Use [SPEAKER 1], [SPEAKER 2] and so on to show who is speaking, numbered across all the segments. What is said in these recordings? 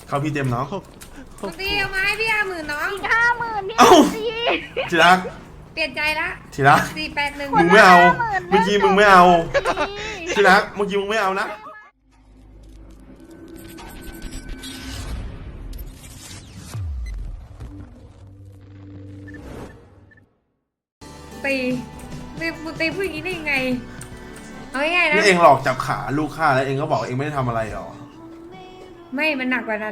[SPEAKER 1] เขาพี่เต็มน้อง
[SPEAKER 2] มึงตีเอามาให้พี่50,000น้อง
[SPEAKER 3] อีก50,000พี่
[SPEAKER 1] เอ้า
[SPEAKER 3] ตี
[SPEAKER 1] ทีรัก
[SPEAKER 2] เปลี่ยนใจละ
[SPEAKER 1] ทีรัก
[SPEAKER 2] 481
[SPEAKER 1] มึงไม่เอา
[SPEAKER 3] 50,000
[SPEAKER 1] เมื่อกี้มึงไม่เอาทีรักเมื่อกี้มึงไม่เอานะ
[SPEAKER 2] ตีมึงตีผู้หญิงนี้ได้ยังไงเอาง่ายๆนะ
[SPEAKER 1] นี่เองหลอกจับขาลูกข้าแล้วเองก็บอกเองไม่ได้ทำอะไรหรอ
[SPEAKER 2] ไม่มันหนักกว่านั้น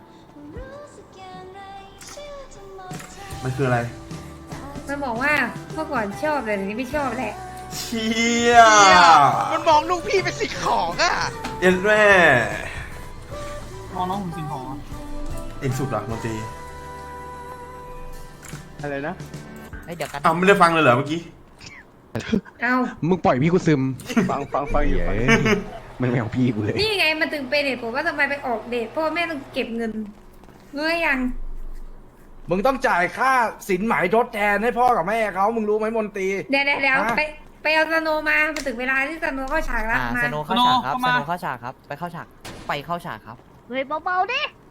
[SPEAKER 1] มันคืออะไร
[SPEAKER 2] มันบอกว่าเมื่อก่อนชอบแต่เดี๋ยวนี้ไม่ชอบแหละ
[SPEAKER 1] เชี่ย
[SPEAKER 4] มันมองลูกพี่เป็นสิ่งของอ่ะ
[SPEAKER 1] เอ็นแม่
[SPEAKER 5] มองน้องผมสิงห์หอ
[SPEAKER 1] เองสุดหรอดนตรี
[SPEAKER 6] อะไรนะ
[SPEAKER 4] เดี๋ยวกัน
[SPEAKER 1] อ้าวไม่ได้ฟังเลยเหรอเมื่อกี้
[SPEAKER 2] เอา
[SPEAKER 6] มึงปล่อยพี่กูซึม
[SPEAKER 7] ฟังอยู่
[SPEAKER 6] เย้ยมันไม่เอาพี่กูเลย
[SPEAKER 2] นี่ไงมันถึงเป็นเหตุผลว่าทำไมไปออกเดทเพราะว่าแม่ต้องเก็บเงินรู้หรือยัง
[SPEAKER 8] มึงต้องจ่ายค่าสินไหมทดแทนให้พ่อกับแม่เขามึงรู้ไหมมนตรี
[SPEAKER 2] เดี๋ยว
[SPEAKER 8] ฮะ
[SPEAKER 2] ไปเอาสโนว์มาถึงเวลาที่สโนว์เข้าฉากแล้วมา
[SPEAKER 4] สโนเข้าฉากครับสโนเข้าฉากครับ ไปเข้าฉาก ไปเข้าฉากครับ
[SPEAKER 3] เฮ้ยเบาๆดิ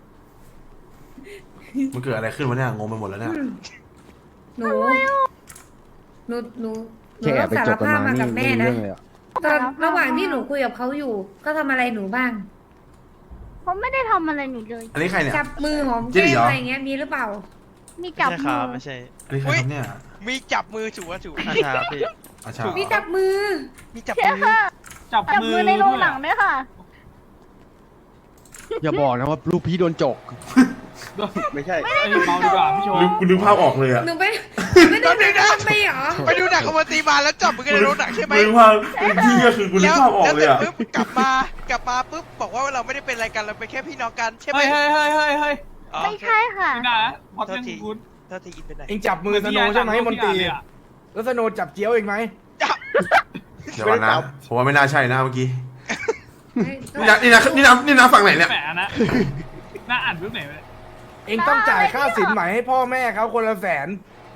[SPEAKER 1] มันเกิดอะไรขึ้นวะเนี่ยงงไปหมดแล้วเนี่ย
[SPEAKER 2] หนูหนู
[SPEAKER 6] แค่แอบไป
[SPEAKER 2] สา
[SPEAKER 6] จ
[SPEAKER 2] ร
[SPEAKER 6] บกัน
[SPEAKER 2] ภาพ
[SPEAKER 6] มา
[SPEAKER 2] มา
[SPEAKER 6] นี่
[SPEAKER 2] กับ
[SPEAKER 6] ไม่
[SPEAKER 2] แม่
[SPEAKER 6] รู้
[SPEAKER 2] นะ
[SPEAKER 6] เรื่องเลยอ่ะ
[SPEAKER 2] ตอนระหว่างที่หนูคุยกับเขาอยู่ก็ทำอะไรหนูบ้าง
[SPEAKER 3] ผมไม่ได้ทำอะไรหนูเลย
[SPEAKER 1] อันนี้ใครเนี่ย
[SPEAKER 2] จับมือหอม
[SPEAKER 1] จริ
[SPEAKER 2] แก้
[SPEAKER 1] ง
[SPEAKER 2] ม
[SPEAKER 1] เหรออ
[SPEAKER 2] อะไรอย่างเงี้ยมีหรือเปล่า
[SPEAKER 3] มีจับมือ
[SPEAKER 4] ไม่ใช่
[SPEAKER 1] อันนี้ใครครับเนี่ย
[SPEAKER 4] มีจับมือถูกถูกครับพี่
[SPEAKER 1] อาชา
[SPEAKER 2] มีจับมือ
[SPEAKER 4] มีจับ
[SPEAKER 3] เชื่อ
[SPEAKER 4] มือ
[SPEAKER 3] ค่ะ
[SPEAKER 5] จับ
[SPEAKER 3] จับมือในโรงหนังด้วยค่ะ
[SPEAKER 6] อย่าบอกนะว่าลูกพี่โดนจก
[SPEAKER 7] ไม่ใช่
[SPEAKER 5] ไอ้เมาดีกว่าพี่โชว์
[SPEAKER 1] กูนึกภาพออกเลยอะ
[SPEAKER 2] หนูไม่ได้ทำไปเหรอ
[SPEAKER 4] ไปดูหนังคอมเมดี้มาแล้วจับมือกันในโรงหนังใช่ไหม
[SPEAKER 1] นึกภาพที่ก็คือกูนึกภาพออกเลยอะ
[SPEAKER 4] แล้วปุ๊บกลับมาปุ๊บบอกว่าเราไม่ได้เป็นอะไรกันเราเป็นแค่พี่น้องกันใช่ไหม
[SPEAKER 5] เฮ้ย
[SPEAKER 4] อ๋อ
[SPEAKER 3] ไม่ใช่ค่ะ
[SPEAKER 5] ไม่ได้นะพอเรื่องคุณ
[SPEAKER 4] เท่าที่อินไปไหน
[SPEAKER 8] เองจับมือสโนว์ใช่ไหมมนตรีแล้วสโนว์จับเจี๊ยวเองไหม
[SPEAKER 1] เดี๋ยวก่อนนะผมว่าไม่น่าใช่นะเมื่อกี้นี่นะฝั่งไหนเนี่ย
[SPEAKER 5] แหมนะน่าอ่านรูปไหนไป
[SPEAKER 8] เองต้องจ่ายค่าสินไหมให้พ่อแม่เขาคนละ100,000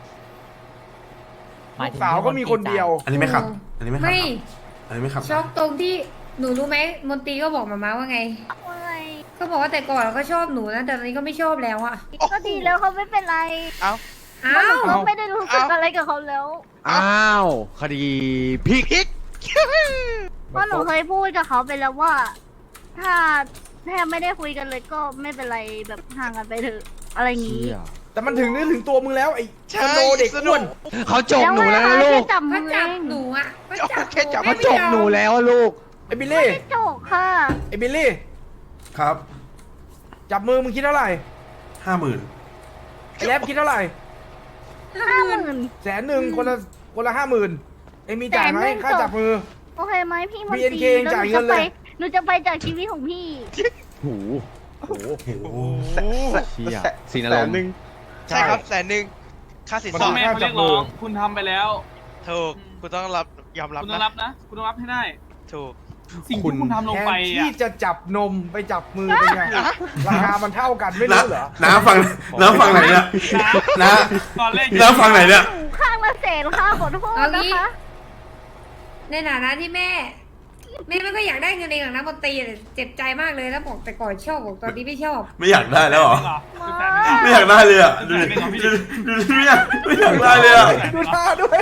[SPEAKER 8] ลูกสาวก็มีคนเดียว
[SPEAKER 1] อันนี้ไม่ขับ อันนี้ไม่ขับ
[SPEAKER 2] ไม่
[SPEAKER 1] อันนี้ไม่ขับ
[SPEAKER 2] ช็อกตรงที่หนูรู้ไหมมนตรีก็บอกมาม่าว่าไง
[SPEAKER 3] ว่าไง
[SPEAKER 2] ก็บอกว่าแต่ก่อนก็ชอบหนูนะแต่ตอนนี้ก็ไม่ชอบแล้วอะ
[SPEAKER 3] ก็ดีแล้วเขาไม่เป็นไร
[SPEAKER 2] อ้าว
[SPEAKER 3] เขาไม่ได้รู้สึกอะไรกับเขาแล้ว
[SPEAKER 6] อ้าว คดีพลิก
[SPEAKER 4] พริก
[SPEAKER 3] เพราะหนูเคยพูดกับเขาไปแล้วว่า ถ้าแทบไม่ได้คุยกันเลยก็ไม่เป็นไรแบบห่างกันไปเถอะอะไรอย่างงี้
[SPEAKER 8] แต่มันถึงนึกถึงตัวมึงแล้วไอ้
[SPEAKER 4] ใช่
[SPEAKER 8] สโนว์เด็กอ้วน
[SPEAKER 6] เขาจกหนูแล้วนะลูก
[SPEAKER 3] จับมื
[SPEAKER 2] เขา
[SPEAKER 3] อ
[SPEAKER 2] จับ
[SPEAKER 3] เอง
[SPEAKER 2] หนูอะเขาจับ
[SPEAKER 4] แค่จับ
[SPEAKER 6] เขาจกหนูแล้วอะลูก
[SPEAKER 8] ไอ้บิล
[SPEAKER 3] ไม่
[SPEAKER 8] ลี่
[SPEAKER 3] ได้จกค่ะ
[SPEAKER 8] ไอ้บิลลี่
[SPEAKER 1] ครับ
[SPEAKER 8] จับมือมึงคิดเท่าไหร่
[SPEAKER 1] 50,000
[SPEAKER 8] ไอ้แรปคิดเท่าไหร่
[SPEAKER 3] 50,000
[SPEAKER 8] 100,000คนละ50,000เอ็งมีจ่ายไหม
[SPEAKER 3] 100,000
[SPEAKER 8] ค่าจับมือ
[SPEAKER 3] โอเคไหมพี่มนตรี
[SPEAKER 8] BNK จ่ายเงินเลย
[SPEAKER 3] หนูจะไปจากชีวิตของพี่
[SPEAKER 6] หูโห
[SPEAKER 1] โอ้โห
[SPEAKER 6] เชี่ยสีนอารมณ์
[SPEAKER 4] ใช่ครับ100,000ค่าสิน
[SPEAKER 8] มัน
[SPEAKER 4] ส
[SPEAKER 8] ต้
[SPEAKER 4] อ
[SPEAKER 8] อง
[SPEAKER 4] ด
[SPEAKER 5] แม่เขาเรียกร้องคุณทำไปแล้ว
[SPEAKER 4] ถูกคุณต้องยอมรับ
[SPEAKER 5] คุณต้อง
[SPEAKER 4] นะ
[SPEAKER 5] รับนะ คุณต้องรับให้ได้
[SPEAKER 4] ถูก
[SPEAKER 5] สิ่งที่คุณทำลง
[SPEAKER 8] แท
[SPEAKER 5] ไป
[SPEAKER 8] น
[SPEAKER 5] อ่ะ
[SPEAKER 8] ที่จะจับนมไปจับมือเป็นไงราคามันเท่ากันไม่รู้เหรอ
[SPEAKER 1] น้ำฝั่งไหนเนี่ยน้า
[SPEAKER 5] ตอนแรก
[SPEAKER 1] น้ำฝั่งไหนเนี่ย
[SPEAKER 3] ข้างละ100,000ค่ะขอโทษ
[SPEAKER 2] เอา
[SPEAKER 3] นะ
[SPEAKER 2] งี้
[SPEAKER 3] คะ
[SPEAKER 2] ในฐานะที่แม่ไม่ก็อยากได้เงินเองหรอกนะมนตรีแต่เจ็บใจมากเลยแล้วบอกแต่ก่อนชอบบอกตอนนี้ไม่ชอบ
[SPEAKER 1] ไม่อยากได้แล้วเหรอ
[SPEAKER 5] 100,000
[SPEAKER 1] ไม่อยากได้เลยอะดูดิดูดิไม่อยากได้เลยอะ
[SPEAKER 8] ดูท่าด้วย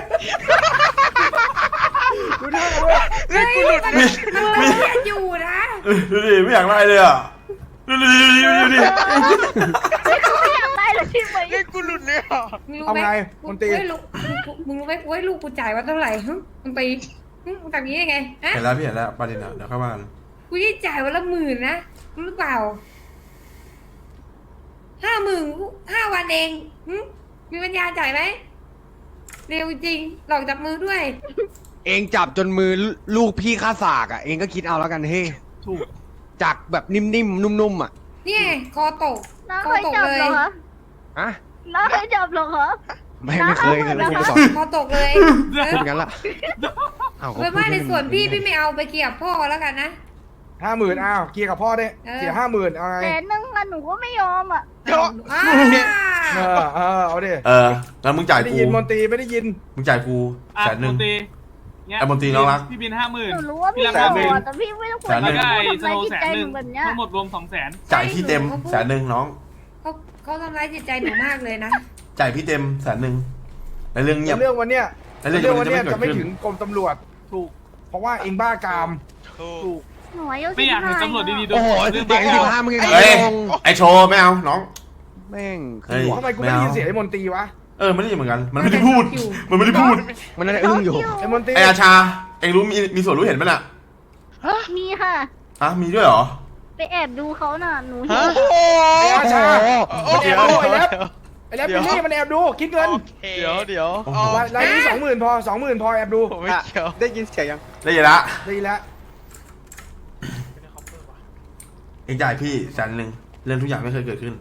[SPEAKER 8] ดูท่าด้วย
[SPEAKER 2] เฮ้ยมันต้องเรียนอยู่นะ
[SPEAKER 1] ดูดิไม่อยากได้เลยอะดูดิ
[SPEAKER 3] ไม่เขาไม่อยากได้เลยใช่ไหม
[SPEAKER 4] เล่นกูหลุดเลยอ่ะ
[SPEAKER 2] มึงรู้
[SPEAKER 8] เอา
[SPEAKER 2] ไหม
[SPEAKER 8] ไงมนตรี
[SPEAKER 2] มึงรู้ไหมว่าลูกกูจ่ายว่าเท่าไหร่มึงไปมึงทำอย่างนี้ยังไงฮะ
[SPEAKER 1] เห็นแล้วพี่เห็นแล้วประเด็นอะเดี๋ยวเข้าบ้าน
[SPEAKER 2] กูจะจ่ายวันละ10,000นะรู้หรือเปล่า50,000 5 วันเองมีปัญญาจ่ายไหมเร็วจริงหลอกจับมือด้วย
[SPEAKER 6] เองจับจนมือลูกพี่ข้าสากอ่ะ เองก็คิดเอาแล้วกันเฮ้
[SPEAKER 5] ถูก
[SPEAKER 6] จากแบบนิ่มๆ นุ่มๆอ่ะ
[SPEAKER 2] เนี่ยคอตก
[SPEAKER 3] น้า
[SPEAKER 2] ค
[SPEAKER 3] เค
[SPEAKER 2] อย ตก
[SPEAKER 3] จับ
[SPEAKER 2] เล
[SPEAKER 3] เหร
[SPEAKER 2] ย
[SPEAKER 3] อคะ
[SPEAKER 6] อะ
[SPEAKER 3] น้าเคยจับเหรอคะ
[SPEAKER 6] ไม่เคยกันแล้วคุณสอน
[SPEAKER 2] คอตกเลย
[SPEAKER 6] พูดงั้นล่ะอ้าวก็
[SPEAKER 2] เป็นว่าในส่วนพี่ไม่เอาไปเกี่ยวพ่อแล้วกันนะ
[SPEAKER 8] 50,000อ้าวเคลียร์กับพ่อได้เสีย50,000เอาไง
[SPEAKER 3] 100,000ค่ะหนูก็ไม่ยอมอ่ะ
[SPEAKER 4] เดี๋ยว
[SPEAKER 2] อ้า
[SPEAKER 8] เอาดิ
[SPEAKER 1] งั้นมึงจ่าย
[SPEAKER 8] ไม่ได้
[SPEAKER 1] กู
[SPEAKER 8] ยินมนตรีไม่ได้ยิน
[SPEAKER 1] มึงจ่ายกู
[SPEAKER 5] อ่ะ
[SPEAKER 1] 100,000
[SPEAKER 5] มนตรีเงี้ย
[SPEAKER 1] ไอ้มนตรีน้องรัก
[SPEAKER 5] พี่บิน
[SPEAKER 3] ห
[SPEAKER 5] 50,000
[SPEAKER 3] นูรู้ว่าพี่
[SPEAKER 5] พี่
[SPEAKER 3] โก
[SPEAKER 5] รัก
[SPEAKER 3] ร
[SPEAKER 5] 50,000
[SPEAKER 3] ธแต่พี่ไม่ต้องคุย
[SPEAKER 1] แสนหนึ่
[SPEAKER 3] กับ
[SPEAKER 1] ง
[SPEAKER 3] หนู
[SPEAKER 5] ได้
[SPEAKER 3] ทำ
[SPEAKER 5] ส
[SPEAKER 3] ร้าย
[SPEAKER 5] โล
[SPEAKER 3] จิต
[SPEAKER 5] 100,000
[SPEAKER 3] ใจหนูแบบเนี้ย
[SPEAKER 5] ทั้งหมดรวม200,000
[SPEAKER 1] จ่ายพี่เต็ม100,000น้อง
[SPEAKER 2] เขาทำร้ายจิตใจหนูมากเลยนะ
[SPEAKER 1] จ่ายพี่เต็ม100,000ในเรื่องเงียบ
[SPEAKER 8] เรื่องวันเนี้ย
[SPEAKER 1] ในเรื่อง
[SPEAKER 8] เรื่องวัน
[SPEAKER 1] จะ
[SPEAKER 8] เนี้
[SPEAKER 1] ไม่
[SPEAKER 8] ย
[SPEAKER 1] เกิ
[SPEAKER 8] จะ
[SPEAKER 1] ด
[SPEAKER 8] ไม่
[SPEAKER 1] ขึ้น
[SPEAKER 8] ถึงกรมตำรวจ
[SPEAKER 5] ถูก
[SPEAKER 8] เพราะว่าเองบ้ากาม
[SPEAKER 4] ถูก
[SPEAKER 3] หนูอายุ
[SPEAKER 5] ไม่อยากเห็น
[SPEAKER 3] 15
[SPEAKER 5] ตำรวจดีๆโด
[SPEAKER 6] โอ้
[SPEAKER 5] น
[SPEAKER 6] โห
[SPEAKER 5] เรื่อง
[SPEAKER 6] เด็ก
[SPEAKER 5] บ้า
[SPEAKER 6] อายุ15มึงยัง
[SPEAKER 1] เฮ้ย
[SPEAKER 6] งง
[SPEAKER 1] ไอโชว์ไม่เอาน้อง
[SPEAKER 6] แม่ง
[SPEAKER 1] เฮ้ย
[SPEAKER 8] ทำไมกูไม่ได้ยินเสียงไอ้มนตรีวะ
[SPEAKER 1] ไม่ได้ยินเหมือนกัน มันไม่ได้พูด มันไม่ได้พูด
[SPEAKER 6] มันน่าจะอึ้งอยู่
[SPEAKER 8] ไอ้มนตรี
[SPEAKER 1] ไออาชา เองรู้มีส่วนรู้เห็นไหมน่ะ
[SPEAKER 3] มีค่ะ
[SPEAKER 1] มีด้วยเหรอ
[SPEAKER 3] ไปแอบดูเขาน่ะ หนูเห็
[SPEAKER 4] ฮะ
[SPEAKER 3] น
[SPEAKER 8] ไอ้อาชา
[SPEAKER 4] โอ้
[SPEAKER 8] มัน
[SPEAKER 4] เดี๋
[SPEAKER 8] แอ
[SPEAKER 4] ยว
[SPEAKER 8] บดูไอ้แรป
[SPEAKER 4] เดี๋ยว
[SPEAKER 8] ไอ้แรปบิลลี่มันแอบดูคิดเงิน
[SPEAKER 4] เดี๋ยว
[SPEAKER 1] โอ้โห
[SPEAKER 8] รายนี้20,000พอ20,000พอแอบดู
[SPEAKER 4] ผมไม่เกี่ยว
[SPEAKER 7] ได้ยินเสียงยัง
[SPEAKER 1] ได้ยินละ
[SPEAKER 8] ดีแล้ว
[SPEAKER 1] เองจ่ายพี่100,000เรื่องทุกอย่างไม่เคยเกิดขึ้น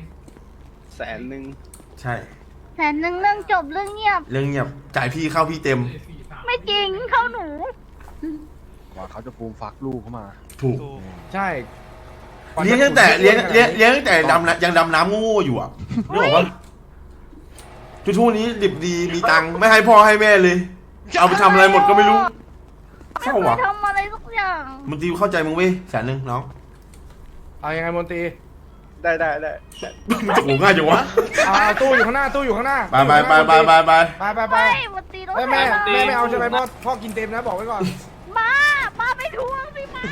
[SPEAKER 7] 100,000
[SPEAKER 1] ใช่
[SPEAKER 3] 100,000เรื่องจบเรื่องเงียบ
[SPEAKER 1] เรื่องเงียบ จ่ายพี่เข้าพี่เต็ม
[SPEAKER 3] ไม่จริงเข้าหนู
[SPEAKER 6] ว่าเขาจะฟูมฟักลูกเข้ามา
[SPEAKER 1] ถูก
[SPEAKER 8] ใช่
[SPEAKER 1] เลี้ยงตั้งแต่ยังดำน้ำโง่ๆอยู่อ่ะนึกออกปะทุกๆนี้ดิบดีมีตังค์ไม่ให้พ่อให้แม่เลย เอาไปทำอะไรหมดก็ไม่รู้
[SPEAKER 3] ไม่
[SPEAKER 1] เข้า
[SPEAKER 3] เคย
[SPEAKER 1] ว่ะ
[SPEAKER 3] ทำอะไรสักอย่าง
[SPEAKER 1] มึงตีเข้าใจมึงเว้ย100,000น้อง
[SPEAKER 8] เอายังไงมนตรี
[SPEAKER 7] ได้
[SPEAKER 1] มันจะโง่ง่ายจังวะ
[SPEAKER 8] เอาตู้อยู่ข้างหน้าตู้อยู่ข้างหน้า
[SPEAKER 1] ไป
[SPEAKER 8] ไปไป
[SPEAKER 3] ไม่มันตีรถ
[SPEAKER 8] แม่
[SPEAKER 3] ไถ
[SPEAKER 8] แม่ไม่เอาใช่ไหมพ่อกินเต็มนะบอกไว้ก่อน
[SPEAKER 3] มาไปทวงสิมา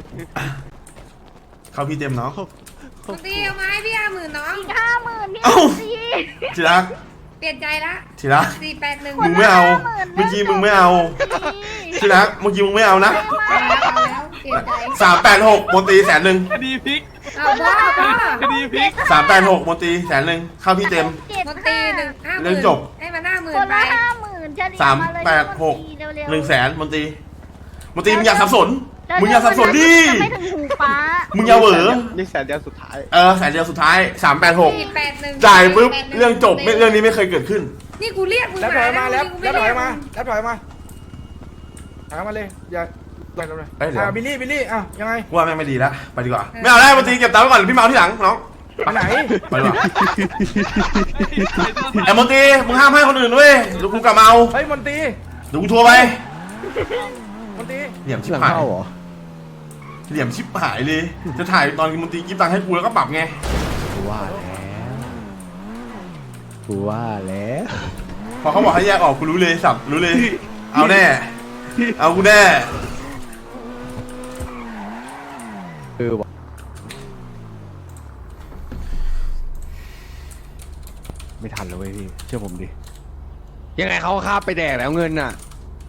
[SPEAKER 1] เข้าพี่เต็มเนาะ
[SPEAKER 2] มนตรีเอามาให้พี่50,000น้อง
[SPEAKER 3] อีก50,000พี่
[SPEAKER 1] เอ้า
[SPEAKER 3] ตี
[SPEAKER 1] ทีรัก
[SPEAKER 2] เปลี่ยนใจละ
[SPEAKER 1] ทีรัก
[SPEAKER 2] 481
[SPEAKER 1] มึงไม่เอา เมื่อกี้มึงไม่เอา ทีรักเมื่อกี้มึงไม่เอานะ
[SPEAKER 2] เอาแล้วเปลี่ยนใจ
[SPEAKER 1] 386มนตรี100,000
[SPEAKER 5] คดีพลิก
[SPEAKER 2] เอาพ่อ
[SPEAKER 5] คดีพลิก
[SPEAKER 1] 386มนตรี100,000เข้าพี่เต็ม
[SPEAKER 2] มนตรี50,000
[SPEAKER 1] เรื่องจบ
[SPEAKER 2] ให้มา50,000
[SPEAKER 3] คน
[SPEAKER 2] ไป
[SPEAKER 3] ละ50,000จะเรียกมาเลย
[SPEAKER 1] 386 100,000มนตรีมนตรีมึงอย่าสับสน มึงอย่าสับสนดิ
[SPEAKER 3] ไม่ถึงหูป้า
[SPEAKER 1] มึงอย่าเหวอ
[SPEAKER 7] นี่แสนเดียวสุดท้าย
[SPEAKER 1] 100,000สุดท้าย386
[SPEAKER 2] 481
[SPEAKER 1] จ่ายปุ๊บเรื่องจบเรื่องนี้ไม่เคยเกิดขึ้น
[SPEAKER 2] นี่กูเรียกมึง
[SPEAKER 8] แล้วถอยมาแล้ว
[SPEAKER 2] มึง
[SPEAKER 8] แล้วถ
[SPEAKER 2] ไเรี
[SPEAKER 8] อย
[SPEAKER 2] ก
[SPEAKER 8] มาแล้วถอยมาถอยมาเลยอย่าไปเลย
[SPEAKER 1] เอ้ยเดี๋ยว
[SPEAKER 8] บิลลี่อ้าวยังไง
[SPEAKER 1] กูว่าแม่งไม่ดีแล้วไปดีกว่า ไม่เอาแล้วมนตรีเก็บตังค์ไว้ก่อนพี่เมาที่หลังน้อง
[SPEAKER 8] ไปไหน
[SPEAKER 1] ไปดีกว่าไอ้มนตรีมึงห้ามให้คนอื่นเว้ยเดี๋ยวกูกลับมาเอา
[SPEAKER 8] เฮ้ยมนตรี
[SPEAKER 1] เดี๋ยวกูโทรไป
[SPEAKER 8] มนตรี
[SPEAKER 1] เหลี่ยมชิบ
[SPEAKER 6] หลัง
[SPEAKER 1] หาย
[SPEAKER 6] เข้าเหรอ
[SPEAKER 1] เหลี่ยมชิบหายเลย จะถ่ายตอนมนตรีกิฟตังค์ให้กูแล้วก็ปรับไง
[SPEAKER 6] กูว่าแล้วกูว่าแล้ว
[SPEAKER 1] พอเขาบอกให้แยกออกกูรู้เลยสับรู้เลย เอาแน่ เอากูแน่
[SPEAKER 6] ว่ะไม่ทันแล้วเว้ยพี่เชื่อผมดิยังไงเขาคาบไปแดกแล้วเงินน่ะ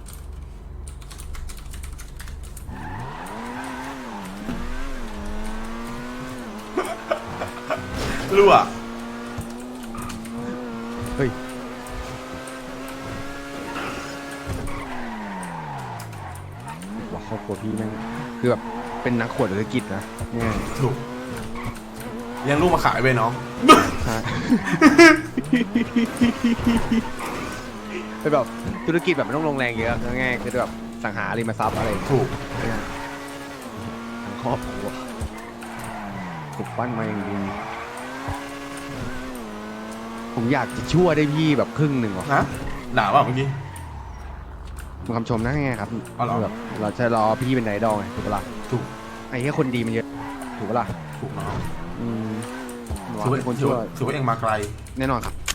[SPEAKER 1] รั่ว
[SPEAKER 6] เฮ้ยว่าครอบครัวพี่แม่งคือแบบเป็นนักขวดธุรกิจนะเนี่ย
[SPEAKER 1] ถูกเลี้ยงลูกมาขายไปน้อง
[SPEAKER 6] ฮะ เป็นแบบธุรกิจแบบไม่ต้องลงแรงเยอะง่ายๆคือแบบสังหาริมทรัพย์อะไร
[SPEAKER 1] ถูก
[SPEAKER 6] เนี่ยทั้งครอบครัวถูกปั้นมาอย่างดีผมอยากจะช่วยได้พี่แบบครึ่งหนึ่งว่ะ
[SPEAKER 1] ฮะด่าว่าเมื่อกี้
[SPEAKER 6] มันคำชมนะไงครับ
[SPEAKER 1] อ๋อเหรอ
[SPEAKER 6] แบบเราจะรอพี่เป็นไอดอลไงถูกปะล่ะ
[SPEAKER 1] ถูก
[SPEAKER 6] ไอ้แค่คนดีมันเยอะถูกปะล่ะ
[SPEAKER 1] ถูกน้อง
[SPEAKER 6] อืม
[SPEAKER 1] ถือว่า
[SPEAKER 6] เป็นคนชั่ว
[SPEAKER 1] ถือว่าเองมาไกล
[SPEAKER 6] แน่นอนครับ